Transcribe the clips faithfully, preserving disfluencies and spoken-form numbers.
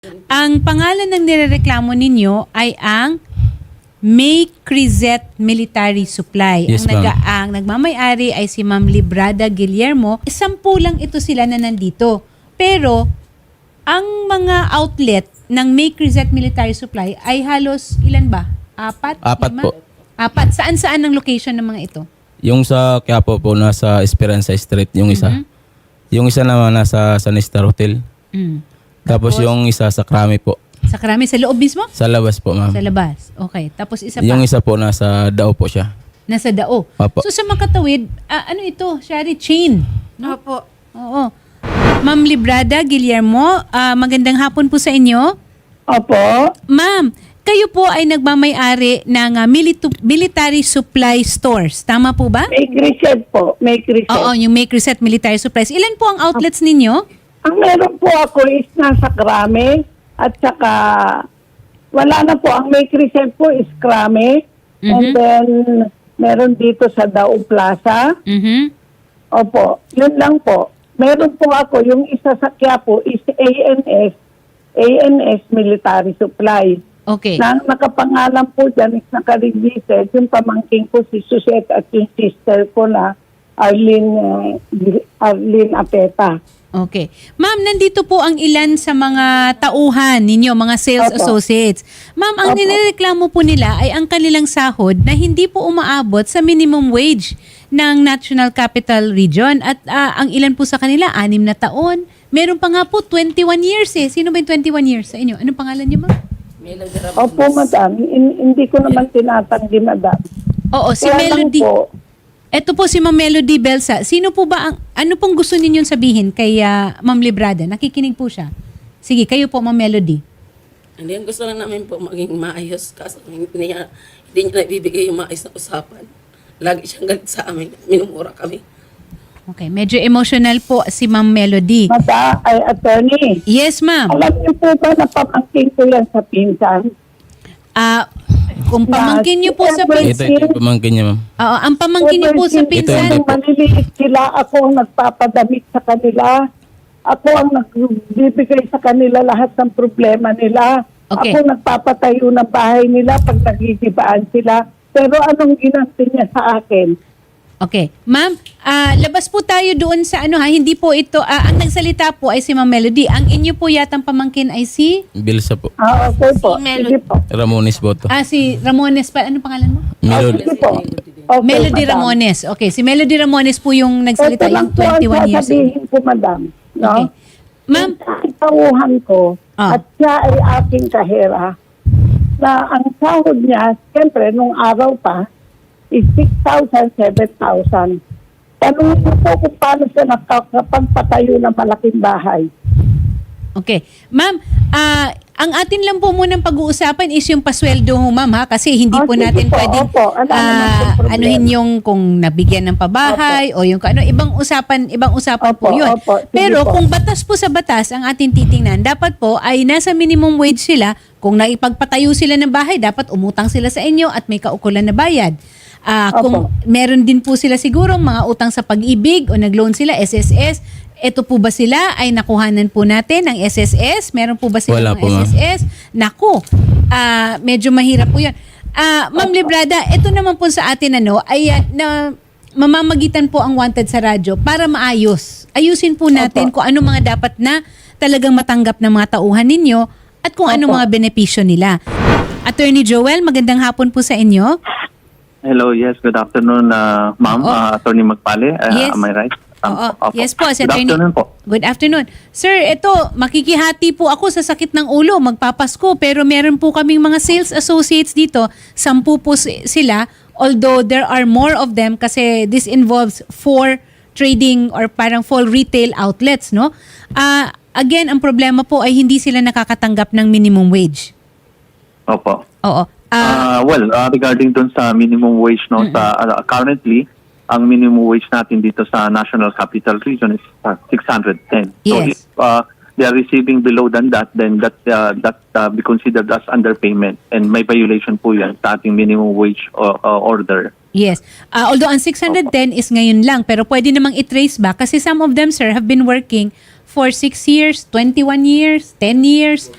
Ang pangalan ng nirereklamo ninyo ay ang May Crizet Military Supply. Yes, ang, naga, ma'am. ang nagmamayari ay si Ma'am Librada Guillermo. Sampu lang ito sila na nandito. Pero, ang mga outlet ng May Crizet Military Supply ay halos ilan ba? Apat? Apat Lima? po. Apat. Saan-saan ang location ng mga ito? Yung sa Quiapo po, nasa Esperanza Street, yung isa. Mhm. Yung isa naman nasa San Star Hotel. Mm. Tapos, Tapos? yung isa sa Krami po. Sa Karami, sa loob mismo? Sa labas po, ma'am. Sa labas. Okay. Tapos isa pa? Yung isa po, nasa Dao po siya. Nasa Dao. Opo. So sa makatawid, ah, ano ito? Shari, chain. No? Opo. Oo. Ma'am Librada Guillermo, ah, magandang hapon po sa inyo. Opo. Ma'am, kayo po ay nagmamay-ari ng ah, militu- military supply stores. Tama po ba? May Crisset po. May Crisset. Oo, yung May Crizet Military Supplies. Ilan po ang outlets ninyo? Ang meron po ako is nasa Krame at saka wala na po. Ang May Crisset po is Krame. And Mhm. then meron dito sa Dao Plaza. Mhm. Opo. Yun lang po. Meron po ako. Yung isa sa Quiapo is A N S. A N S Military Supply. Okay. Na ang nakapangalan po dyan is naka-registered yung pamangking ko si Susette at yung sister ko na Arlene, uh, Arlene Apeta. Okay. Ma'am, nandito po ang ilan sa mga tauhan ninyo, mga sales Opo. associates. Ma'am, ang Opo. nirereklamo po nila ay ang kanilang sahod na hindi po umaabot sa minimum wage ng National Capital Region. At ah, ang ilan po sa kanila, anim na taon. Meron pa nga po, twenty-one years eh. Sino ba yung twenty-one years sa inyo? Anong pangalan niyo, ma'am? Opo, madam. In- hindi ko naman tinatanggi, madam. Oo, si Kaya lang Melody. po, Ito po si Ma'am Melody Belsa. Sino po ba ang, ano pong gusto ninyong sabihin kay ah, Ma'am Librada? Nakikinig po siya. Sige, kayo po, Ma'am Melody. Hindi, ang gusto lang namin po maging maayos kasi hindi niya, hindi niya naibibigay yung maayos na usapan. Lagi siyang galit sa amin. Minumura kami. Okay, medyo emotional po si Ma'am Melody. mata ay attorney. Yes, ma'am. Alam niyo po ba na pamangkin ko yan sa pinsan? Ah, kung pamangkin niyo po sa Ito, pinsan, ito yung pamangkin niya, ma'am. Oo, ang pamangkin niyo po sa Ever since pinsan, Ito, nung maliliit sila, ako ang nagpapadamit sa kanila. Ako ang nagbibigay sa kanila lahat ng problema nila. Okay. Ako nagpapatayo ng bahay nila pag nagigibaan sila. Pero anong ginanti niya sa akin? okay. Ma'am, ah, labas po tayo doon sa ano ha, hindi po ito, ah, ang nagsalita po ay si Ma'am Melody. Ang inyo po yatang pamangkin ay si, Bilsa po. Ah, okay po. Si Melody. Sige po. Ramones po to. ah, si Ramones pa, ano pangalan mo? Ah, Melody. sige po. Okay, Melody madam. Ramones. Okay, si Melody Ramones po yung nagsalita, Ito lang yung po ang twenty-one years. sasabihin ko, madam. No? Okay. Ma'am, Ang tauhan ko Ah. at siya ay aking kahera na ang sahod niya, siyempre, nung araw pa, is six thousand, seven thousand. Tanungin mo po kung paano siya nakakapagpatayo ng malaking bahay. okay. Ma'am, ah, ang atin lang po munang pag-uusapan is yung pasweldo ho, ma'am, ha? Kasi hindi Oh, po sige natin po, pwedeng opo. Wala naman ah, pong problema. anuhin yung kung nabigyan ng pabahay o yung ano, ibang usapan, ibang usapan po Opo, yun. opo. Sige Pero po. kung batas po sa batas ang atin titingnan, dapat po ay nasa minimum wage sila. Kung naipagpatayo sila ng bahay, dapat umutang sila sa inyo at may kaukulan na bayad. Ah, kung Opo. meron din po sila siguro mga utang sa pag-ibig o nag-loan sila, S S S, ito po ba sila ay nakuhanan po natin ng S S S? Meron po ba sila Wala ng po, ma'am. S S S? Naku, ah, medyo mahirap po yan. Ah, Ma'am Librada, ito naman po sa atin ano, ay ah, na mamamagitan po ang wanted sa radyo para maayos. Ayusin po natin kung ano mga dapat na talagang matanggap ng mga tauhan ninyo at kung ano Opo. mga benepisyo nila. Attorney Joel, magandang hapon po sa inyo. Hello, yes, good afternoon, uh, ma'am, Oo. uh, Attorney Magpale. Uh, Yes. Am I right? Um, Oo. opo. Yes po, si Good Attorney. afternoon po. Good afternoon. Sir, ito, makikihati po ako sa sakit ng ulo, magpapasko, pero meron po kaming mga sales associates dito, sampu po si- sila, although there are more of them kasi this involves four trading or parang full retail outlets, no? Ah, again, ang problema po ay hindi sila nakakatanggap ng minimum wage. Opo. Oo. Ah, Uh, well, uh, regarding dun sa minimum wage, no, sa, uh, currently, ang minimum wage natin dito sa National Capital Region is uh, six hundred ten. So Yes. if uh, they are receiving below than that, then that uh, that uh, be considered as underpayment, and may violation po yan sa ating minimum wage uh, uh, order. Yes. Ah, although ang six hundred ten is ngayon lang, pero pwede namang i-trace back kasi some of them, sir, have been working for six years, twenty-one years, ten years,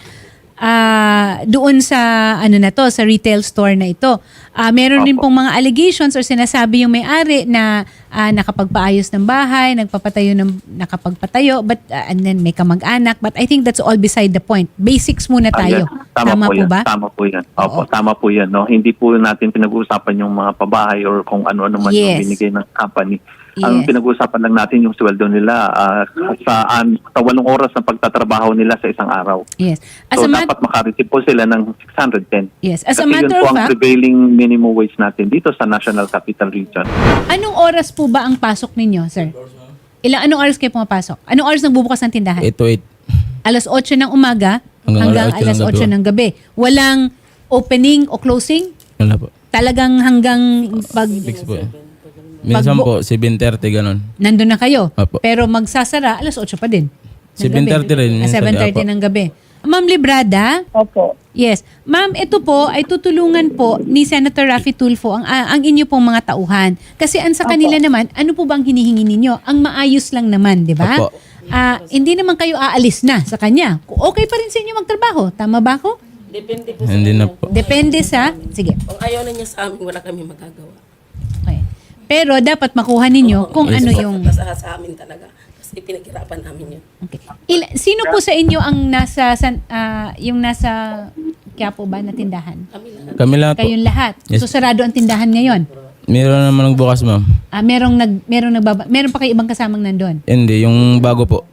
ah doon sa ano na to, sa retail store na ito. Ah meron din Opo. pong mga allegations or sinasabi yung may-ari na ah, nakapagpaayos ng bahay, nagpapatayo ng nakapagpatayo, but ah, and then may kamag-anak, but I think that's all beside the point. Basics muna Ah, tayo. yes. Tama, Tama po, po yan. ba? Tama po yan. Opo, Oo. tama po yan. No? Hindi po natin pinag-uusapan yung mga pabahay or kung ano-ano man Yes. yung binigay ng company. Ang Yes. pinag-uusapan lang natin yung sweldo nila ah, sa, an, sa walong oras ng pagtatrabaho nila sa isang araw. Yes. As So a mat- dapat makareceive po sila ng six hundred ten. Yes. As a Kasi matter yun po of ang fact, prevailing minimum wage natin dito sa National Capital Region. anong oras po ba ang pasok ninyo, sir? Ilang anong oras kayo pumapasok? Anong oras nagbubukas ng tindahan? eight to eight. Alas otso ng umaga hanggang, Hanggang alas alas otso otso ng ng gabi. Walang opening o closing? Wala po. Talagang hanggang pag Fix po. eh. Minsan Pag- po, seven thirty ganun. nandun na kayo. Apo. Pero magsasara alas otso pa din. ng seven thirty gabi. rin, Ah, minsan, seven thirty apo. ng gabi. Ma'am Librada, Opo. yes. Ma'am, ito po ay tutulungan po ni Senator Raffy Tulfo ang, ang ang inyo pong mga tauhan. Kasi ang sa kanila naman, ano po bang hinihingi ninyo? Ang maayos lang naman, di ba? Opo. Ah, hindi naman kayo aalis na sa kanya. Okay pa rin sa inyo magtrabaho. Tama ba ako? Depende po sa Hindi na kanya. po. Depende sa... Sige. Kung ayaw na niya sa amin, wala kami magagawa. Okay. Pero dapat makuha ninyo kung Yes, ano po. yung... Sa, sa amin talaga. Kasi pinaghirapan namin yun. Okay. Il- sino po sa inyo ang nasa... San, ah, yung nasa... Quiapo ba na tindahan? Kami lang. Kami lahat po. Kayong lahat. Yes. So sarado ang tindahan ngayon. Meron naman nagbukas, ma'am. Ah, merong nag merong nagbaba, meron pa kayo ibang kasamang nandoon. Hindi, yung bago po.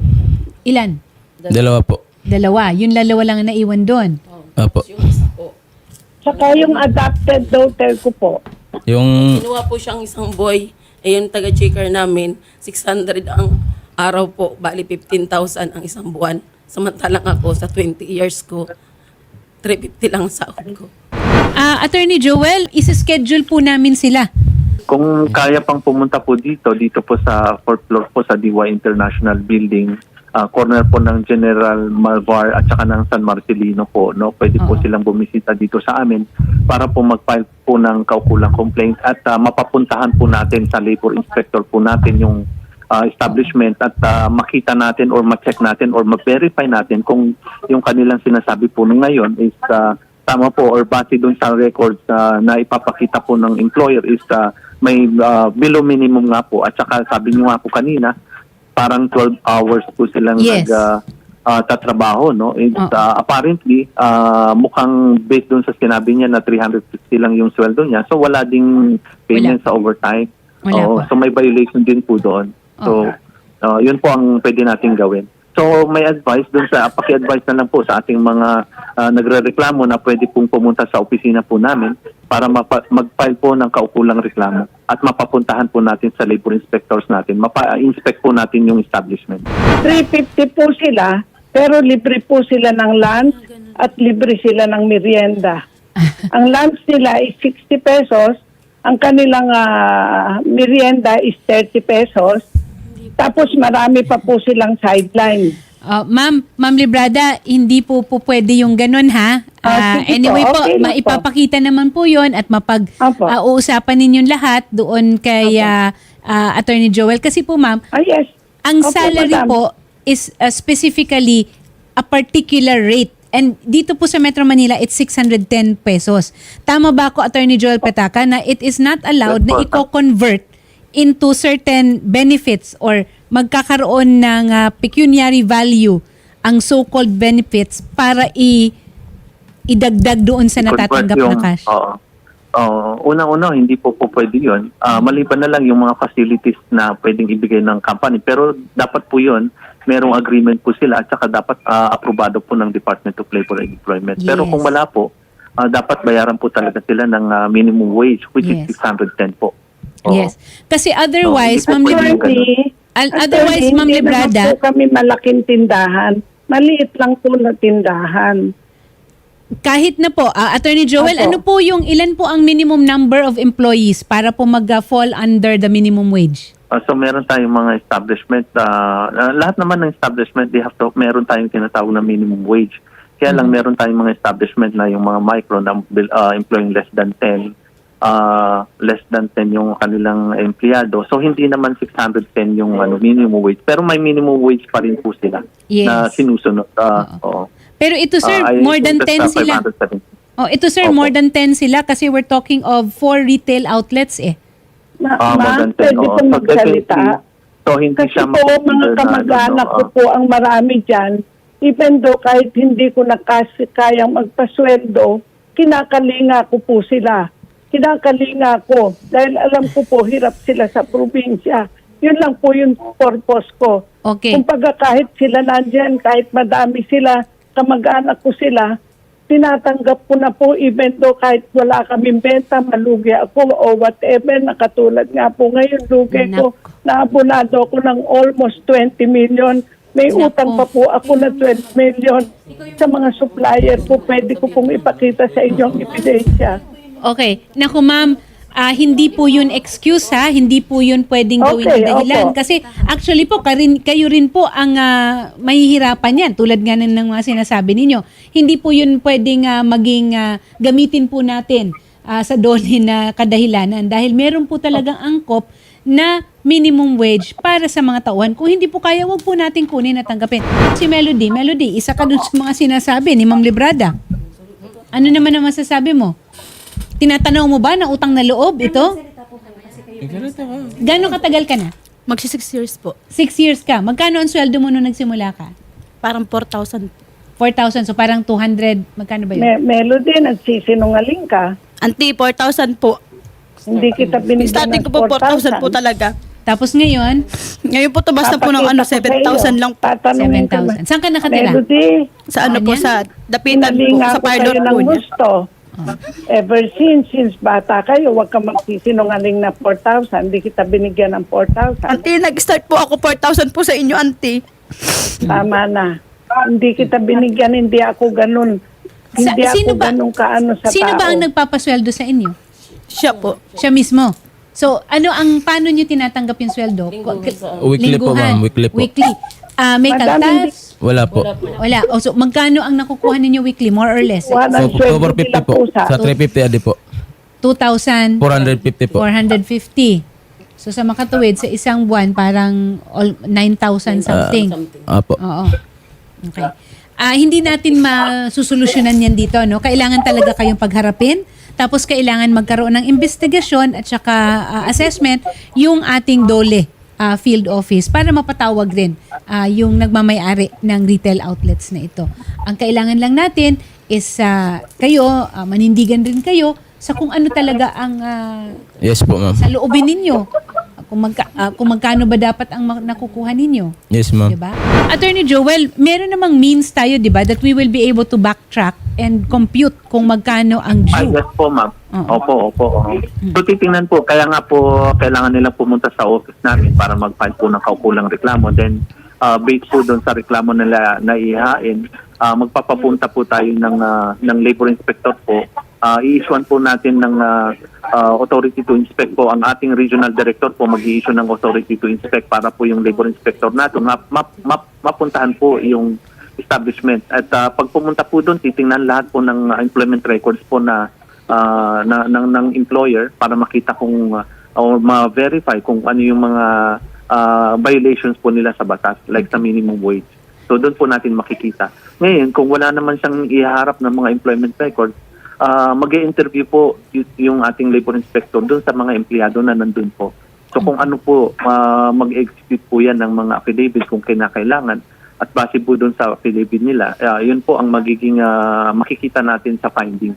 Ilan? Dalawa po. Dalawa. Yung lalawa lang ang naiwan doon. Opo. Yung isa po. Saka yung adopted daughter ko po. Yung Kinuha po siyang isang boy. Ayun, taga-checker namin. six hundred ang araw po. Bali, fifteen thousand ang isang buwan. Samantalang ako sa twenty years ko, three fifty lang ang sahod ko. Ah, Attorney Joel, isa-schedule po namin sila. Kung kaya pang pumunta po dito, dito po sa fourth floor po sa D Y International Building, ah, corner po ng General Malvar at saka ng San Marcelino po, no? Pwede po Oo. silang bumisita dito sa amin para po mag-file po ng kaukulang complaint at ah, mapapuntahan po natin sa labor inspector po natin yung ah, establishment at ah, makita natin or ma-check natin or ma-verify natin kung yung kanilang sinasabi po nung ngayon is ah, tama po or base doon sa records ah, na ipapakita po ng employer is ah, may ah, below minimum nga po at saka sabi niyo nga po kanina parang twelve hours po silang Yes. nag ah, ah, tatrabaho, no? And, Oo. ah, apparently ah, mukhang based doon sa sinabi niya na three hundred fifty lang yung sweldo niya, so wala ding payment sa overtime. Wala Oo, po. so may violation din po doon. So Oo. ah, yun po ang pwede nating gawin. So may advice doon sa paki-advise na lang po sa ating mga ah, nagrereklamo na pwede pong pumunta sa opisina po namin para mapa- mag-file po ng kaukulang reklamo at mapapuntahan po natin sa labor inspectors natin. Mapa-inspect po natin yung establishment. three fifty po sila, pero libre po sila ng lunch at libre sila ng merienda. Ang lunch nila is sixty pesos, ang kanilang ah, merienda is thirty pesos, tapos marami pa po silang sideline. Ah, ma'am, Ma'am Librada, hindi po po pwede yung ganun ha. Ah, Ah, sige po, anyway po, okay lang po. maipapakita naman po yon at Apo. mapag-uusapan ninyong lahat doon kay ah, ah, Attorney Joel. Kasi po ma'am, Ah, yes. ang Opo, salary madam. po is uh, specifically a particular rate. And dito po sa Metro Manila, it's six hundred ten pesos. Tama ba ako, Attorney Joel Petaka, na it is not allowed Yes, na po. i-convert into certain benefits or magkakaroon ng uh, pecuniary value ang so-called benefits para i idagdag doon sa natatanggap Convert na cash? Oo. Oo. Unang-una, hindi po po pwede yun. Ah, maliban na lang yung mga facilities na pwedeng ibigay ng company. Pero dapat po yun, merong agreement po sila at saka dapat ah, aprobado po ng Department of Labor and Employment. Pero Yes. kung wala po, ah, dapat bayaran po talaga sila ng ah, minimum wage which Yes. is six hundred ten po. Oo. Yes. Kasi otherwise, So, Ma'am hindi po Librada, pwede. Attorney, Al- attorney, otherwise, Ma'am hindi Librada, naman po kami malaking tindahan. Maliit lang po na tindahan. kahit na po, ah, Attorney Joel, Opo. ano po yung, ilan po ang minimum number of employees para po mag-fall under the minimum wage? Uh, so meron tayong mga establishment, uh, uh, lahat naman ng establishment, they have to, meron tayong tinatawag na minimum wage. Kaya lang meron tayong mga establishment na yung mga micro na uh, employing less than ten uh, less than ten yung kanilang empleyado. So hindi naman six hundred ten yung ano, minimum wage. Pero may minimum wage pa rin po sila Yes. na sinusunod. Uh, oo. Pero ito sir, Ah, I more than think ten that's, uh, sila. five hundred seventy. Oh, ito sir, Opo. more than ten sila kasi we're talking of four retail outlets eh. Ma, Ah, more ma'am, than ten, pwede oo. po So, magsalita. definitely, So hindi Kasi siya po, mga makonsider na, kamag-anak ano, ko no, po ang marami dyan. Even though kahit hindi ko na kasi kayang magpasweldo, kinakalinga ko po sila. Kinakalinga ko. Dahil alam ko po, hirap sila sa probinsya. Yun lang po yung purpose ko. Okay. Kung pagka kahit sila nandyan, kahit madami sila, kamag-anak ko sila, tinatanggap ko na po even though kahit wala kaming benta, malugi ako o whatever, nakatulad nga po ngayon, lugi ko, naabonado ako ng almost twenty million. May Nako. utang pa po ako na twelve million. Sa mga supplier po, pwede ko pong ipakita sa inyong ebidensya. Okay. Naku ma'am, ah, hindi po yun excuse ha. Hindi po yun pwedeng gawin Okay, na dahilan. opo. Kasi actually po, karin, kayo rin po ang ah, mahihirapan yan. Tulad nga ng mga sinasabi ninyo. Hindi po yun pwedeng ah, maging ah, gamitin po natin ah, sa dole na kadahilanan. Dahil meron po talagang angkop na minimum wage para sa mga tauhan. Kung hindi po kaya, wag po natin kunin at tanggapin. Si Melody, Melody, isa ka dun sa mga sinasabi ni Ma'am Librada. Ano naman ang masasabi mo? Tinatanaw mo ba na utang na loob ito? Gano'ng katagal ka na? Magsi six years po. Six years ka. Magkano ang sweldo mo nung nagsimula ka? Parang four thousand. four thousand. So parang two hundred. Magkano ba yun? Me- Melody, nagsisinungaling ka. Auntie, four thousand po. Hindi kita binigyan Starting ng ko po, four thousand po talaga. Tapos ngayon, Ngayon po tumas na po ng ano, seven thousand lang po. seven thousand. Saan ka nakatira? Melody, Sa ano po, Ganyan? sa dapitan po, pinalinga sa ko parlor kayo po ng niya. gusto. Ever since, since bata kayo, huwag ka magsisinungaling na four thousand. Hindi kita binigyan ng four thousand. Auntie, nag-start po ako four thousand po sa inyo, auntie. Tama na. Hindi kita binigyan, hindi ako ganun. Sa- Hindi sino ako ba- ganun kaano sa Sino tao. ba ang nagpapasweldo sa inyo? Siya po. Siya mismo. So, ano ang paano niyo tinatanggap yung sweldo? Ko- Weekly po, Lingguhan. ma'am. Weekly po. Weekly. Ah, may Madami kaltas? Wala po. Wala. O, so, magkano ang nakukuha ninyo weekly? More or less? Wala So, ang sweldo four fifty nila po. pusa. Sa three fifty adi po. two thousand four fifty po. four hundred fifty. So, sa makatuwid, sa isang buwan, parang all, nine thousand something. Apo. Oo. Okay. Ah, hindi natin masusolusyonan yan dito, no? Kailangan talaga kayong pagharapin. Tapos kailangan magkaroon ng investigasyon at saka ah, assessment yung ating DOLE ah, field office para mapatawag rin ah, yung nagmamayari ng retail outlets na ito. Ang kailangan lang natin is ah, kayo, ah, manindigan rin kayo sa kung ano talaga ang ah, Yes po, ma'am. sa loobin ninyo. Kung, magka, ah, kung magkano ba dapat ang ma- nakukuha ninyo. Yes, ma'am. Diba? Attorney Joel, meron namang means tayo, di ba, that we will be able to backtrack and compute kung magkano ang Ay, due. yes po, ma'am. Oo. Opo, opo. oo. So, titingnan po. Kaya nga po, kailangan nilang pumunta sa office namin para mag-file po ng kaukulang reklamo. Then, uh, based po doon sa reklamo nila na ihain, uh, magpapapunta po tayo ng, uh, ng labor inspector po. Uh, i-issuean po natin ng uh, uh, authority to inspect po. Ang ating regional director po mag-i-issue ng authority to inspect para po yung labor inspector natin map, map, map, mapuntahan po yung establishment. At uh, pag pumunta po doon, titingnan lahat po ng uh, employment records po na, uh, na ng, ng employer para makita kung uh, or ma-verify kung ano yung mga uh, violations po nila sa batas, like sa minimum wage. So doon po natin makikita. Ngayon, kung wala naman siyang iharap ng mga employment records, uh, mag-i-interview po y- yung ating labor inspector doon sa mga empleyado na nandun po. So kung ano po, uh, mag-execute po yan ng mga affidavit kung kinakailangan. At base po doon sa affidavit nila, uh, yun po ang magiging uh, makikita natin sa findings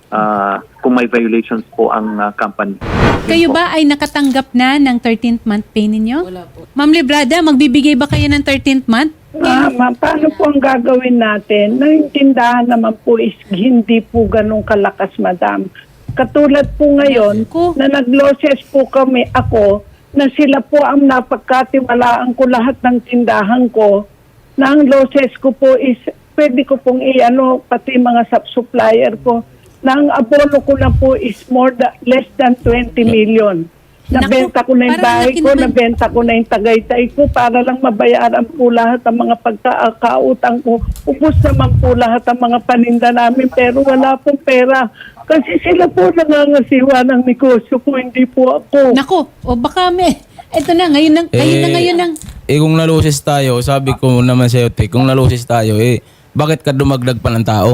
uh, kung may violations po ang uh, company. Yun Kayo po. ba ay nakatanggap na ng thirteenth month pay ninyo? Wala po. Ma'am Librada, magbibigay ba kayo ng thirteenth month? Ma, ma, paano po ang gagawin natin? Naintindahan naman po is hindi po ganun kalakas, madam. Katulad po ngayon, Ko. na nag-losses po kami ako, na sila po ang napagkatiwalaan ko lahat ng tindahan ko, na ang losses ko po is, pwede ko pong i-ano, pati mga sub-supplier ko, na ang abono ko na po is more than, less than twenty million. Nabenta ko na yung Naku, bahay parang laki ko, naman. nabenta ko na yung Tagaytay ko para lang mabayaran po lahat ang mga pagkakautang ko. Ubus naman po lahat ang mga paninda namin pero wala pong pera. Kasi sila po nangangasiwa ng negosyo ko, hindi po ako. Nako, o baka may, eto na, ngayon na, ngayon na ngayon ng, Eh kung nalusis tayo, sabi ko naman sa'yo, te, kung nalusis tayo, eh, bakit ka dumagdag pa ng tao?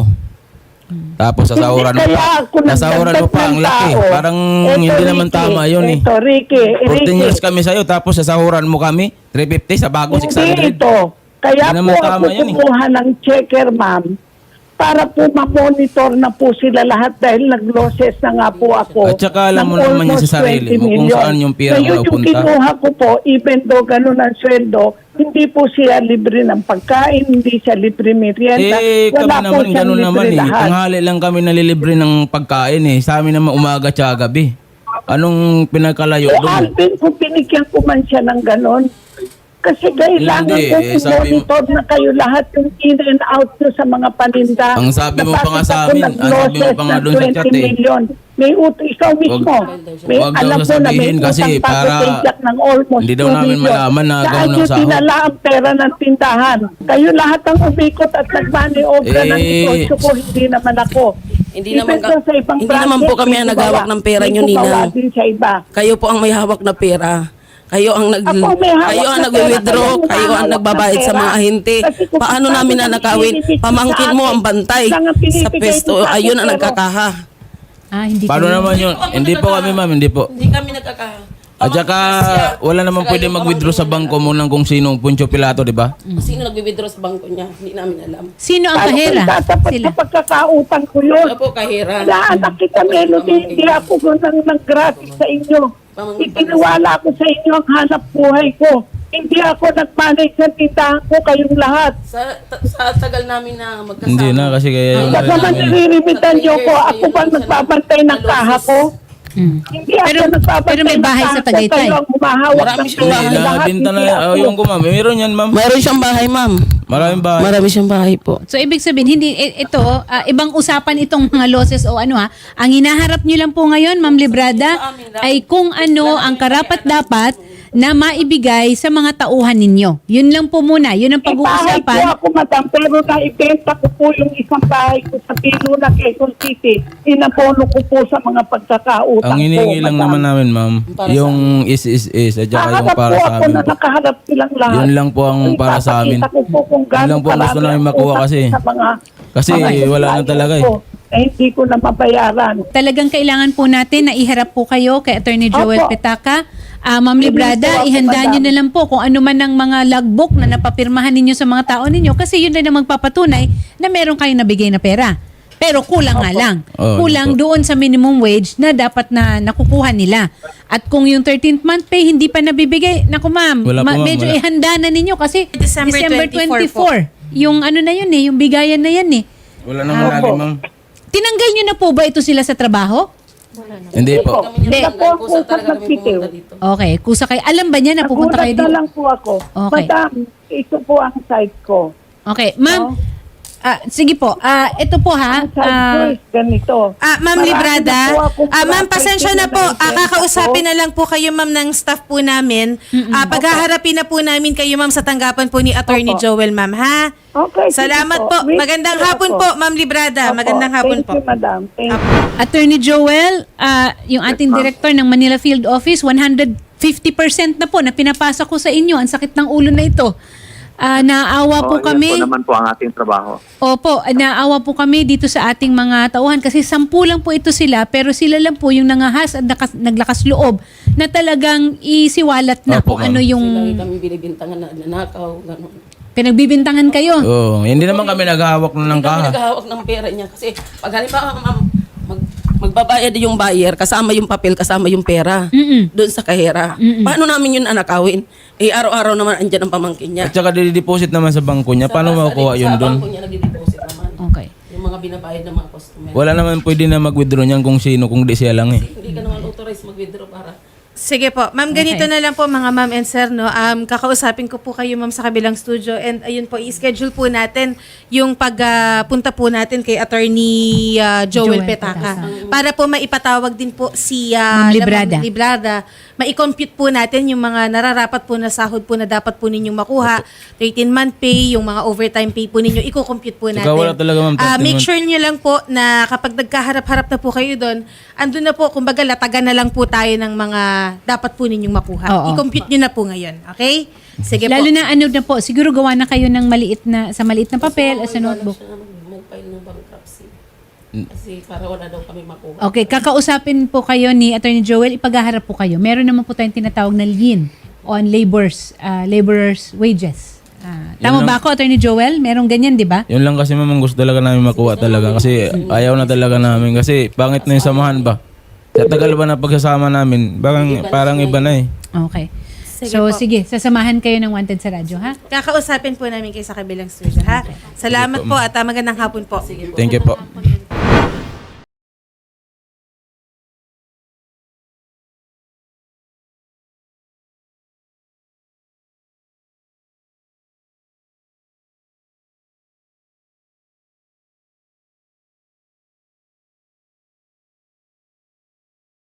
Tapos sasahuran mo Hindi pa. kaya ako Sasahuran mo pa ang nagdagdag laki. ng tao. Parang Eto, hindi naman Ricky, tama yun eh. Ito, Ricky, fourteen Ricky. years kami sa'yo, tapos sasahuran mo kami, three fifty sa bago six Hindi hundred. ito. Kaya Hindi po naman ako tama yan eh. kumuha ng checker, ma'am, para po ma-monitor na po sila lahat dahil nag-losses na nga po ako. At saka alam mo ng naman yan almost sa sarili mo kung twenty million. saan yung pera mo Ngayon, yung napunta. kinuha ko po, even though ganun ang sweldo, hindi po siya libre ng pagkain, hindi siya libre merienda. Eh, kami Wala po naman, siyang ganun libre naman eh. lahat. Tanghali lang kami nalilibre ng pagkain eh. Sa amin naman umaga tsaka gabi. Anong pinagkalayo Eh, doon? Alvin, kung binigyan ko man siya ng ganon, kasi kailangan Hindi, ko eh, sabi mo- monitor na kayo lahat yung in and out nyo sa mga paninda. Ang sabi mo pa nga Napasok sa ako amin, ng ang sabi mo losses pa nga ng doon sa twenty chat eh. million. May ut ikaw mismo. May wag daw alam ko na may sasabihin kasi utang pa para ako kay Jack ng almost hindi daw two namin million. malaman na Saan ganun ang nyo sahod? dinala ang pera ng tindahan? Kayo lahat ang umikot at nag-money over ng Eh, negosyo ko, hindi naman ako. Hindi Even naman ka- though sa ibang hindi naman branches, po kami may ang naghawak gumawa. ng pera May nyo, gumawa Ninang. din sa iba. Kayo po ang may hawak na pera. Kayo ang nag Ako may hawak kayo ang na nagwi-withdraw, pera, kayo ang hawak nagbabayad na sa pera. mga ahente. Kasi kung Paano paano namin nang nanakawin? ibibigay Pamangkin sa mo akin, ang bantay lang ang sa pinibigay pesto. mo sa akin, Ayun ang pero- nagkakaha. ah, hindi Paano kayo- naman yun? Hindi po kami ma'am, hindi po. Hindi kami nagkakaha. At saka wala naman pwede mag-withdraw sa bangko mo ng kung sinong Poncio Pilato, di ba? Sino nagwi-withdraw sa bangko niya? Hindi namin alam. Sino ang Paano kahera? kung tatapat Sila. sa pagkakautang ko yun? Ano po kahira? Wala, nakita Melody, hindi ako nang nag-graphic sa inyo. Itiniwala ko sa inyo ang hanap buhay ko. Hindi ako nag-manage ng tindahan ko, kayong lahat. Sa ta- sa tagal namin na magkasama. Hindi na kasi kaya yung... Baka man nililimitan niyo ko, ako ba nagbabantay ng kaha ko? Mm. Hindi ako Pero- nagbabantay pero may ng bahay kaha sa ko, Tagaytay. kayo ang humahawak Marami ng siyang pera. Hindi, bahay. nakabinta na, Hindi oh, ako. yung kumam. Meron yan ma'am. Mayroon siyang bahay, ma'am. Maraming bahay. Marami siyang bahay po. So ibig sabihin hindi i- ito ah, ibang usapan itong mga losses o ano ha. Ang hinaharap niyo lang po ngayon Ma'am Librada ay kung ano ang karapat dapat na maibigay sa mga tauhan ninyo. Yun lang po muna. Yun ang May bahay po pag-uusapan. ako, madam, pero naibenta ko po yung isang bahay ko sa Piluna, Quezon City. Inapono ko po sa mga pagkakautang Ang hinihingi lang madam. naman namin ma'am, yung is is is at saka yung Nakaharap para po sa ako amin na po. nakaharap silang lahat. Yun lang po ang para sa amin. Ipapakita ko po kung Yun lang gaano po ang gusto karami namin ang makuha utang kasi. sa mga, Kasi mga wala na supplier talaga eh. ko. Eh, hindi ko na mabayaran. Talagang kailangan po natin na iharap po kayo kay Attorney Joel Opo. Petaka. Ah, Ma'am Librada, Hindi po ako, ihanda madam. nyo na lang po kung ano man ang mga logbook na napapirmahan ninyo sa mga tao ninyo kasi yun na ang magpapatunay na meron kayong nabigay na pera. Pero kulang nga lang. Oh, Kulang yun po. doon sa minimum wage na dapat na nakukuha nila. At kung yung thirteenth month pay hindi pa nabibigay, naku ma'am, Wala po, ma- ma'am, medyo wala. ihanda na ninyo kasi December twenty-four twenty-four. Yung ano na yun eh, yung bigayan na yan eh. Wala naman lagi ma'am. Tinanggal nyo na po ba ito sila sa trabaho? Hindi po. Hindi. Ako po ako nagpitiw. Okay, kusa kayo. Alam ba niya na pupunta kayo Nagulat na dito? lang po ako. Okay. Madam, ito po ang site ko. Okay, ma'am. Ah, sige po. Ah, ito po ha. Ang site ko Ah, is ganito. Ah, Ma'am Marami Librada, na po akong ah, Ma'am, property pasensya na po. Ah, naibenta kakausapin ko. na lang po kayo, Ma'am, ng staff po namin. Ah, paghaharapin na po namin kayo, Ma'am, sa tanggapan po ni Attorney Opo. Joel, Ma'am, ha? Okay, sige Salamat po. po. Wait Magandang lang hapon ako. po, Ma'am Librada. Opo, Magandang hapon thank po. you, madam. Thank you. Attorney Joel, ah, yung ating director ng Manila Field Office, one hundred fifty percent na po na pinapasa ko sa inyo. Ang sakit ng ulo na ito. Ah, naawa po Oh, yan kami. po naman po ang ating trabaho. Opo, naawa po kami dito sa ating mga tauhan kasi sampu lang po ito sila pero sila lang po yung nangahas at nakas, naglakas loob na talagang isiwalat na Opo, kung ma'am. ano yung Lagi kami binibintangan na nanakaw, gano'n. pinagbibintangan kayo. Oh, hindi naman kami naghahawak na ng Hindi kami kaha. naghahawak ng pera niya kasi pag halimbawa ma'am, mag, magbabayad yung buyer, kasama yung papel, kasama yung pera Mm-mm. doon sa kahera. Paano namin yun anakawin? Eh, araw-araw naman andyan ang pamangkin niya. At saka dideposit naman sa bangko niya. Paano Sa- makukuha sa- yun Sa doon? bangko niya nagdi-deposit naman. Okay. Yung mga binabayad ng mga customer. Wala naman pwede na mag-withdraw niyan kung sino, kung di siya lang eh. Hindi ka naman authorized mag-withdraw para Sige po. Ma'am, ganito Okay. na lang po mga ma'am and sir, no? Um, kakausapin ko po kayo ma'am sa kabilang studio and ayun po, i-schedule po natin yung pagpunta po natin kay Attorney uh, Joel, Joel Petaka. Petaka. Para po maipatawag din po si uh, Ma'am Librada. Ma'am Librada. Ma-compute po natin yung mga nararapat po na sahod po na dapat po ninyong makuha. thirteen-month pay, yung mga overtime pay po ninyo, i-compute po natin. Saka wala talaga, ma'am, Ah, make thirteen sure nyo lang po na kapag nagkaharap-harap na po kayo doon, andun na po, kumbaga latagan na lang po tayo ng mga dapat po ninyong makuha. Oo. I-compute nyo na po ngayon. Okay? Sige Lalo po. na ano na po, siguro gawa na kayo ng maliit na, sa maliit na papel o sa notebook. Siya naman mag-file ng bankruptcy. Kasi para wala daw kami makuha. Okay, kakausapin po kayo ni Attorney Joel, ipaghaharap po kayo. Meron naman po tayong tinatawag na lien on laborers, uh, laborers wages. Ah, tama Yun ba ako, Attorney Joel? Merong ganyan, di ba? Yun lang kasi ma'am, ang gusto talaga namin makuha talaga. Kasi ayaw na talaga namin. Kasi pangit na yung samahan ba? Sa tagal ba na pagsasama namin, parang, parang iba na eh. Okay. Sige so, po. sige, sasamahan kayo ng Wanted sa radyo, ha? Kakausapin po namin kayo sa kabilang studio, ha? Salamat po at ah, magandang hapon po. Thank you po.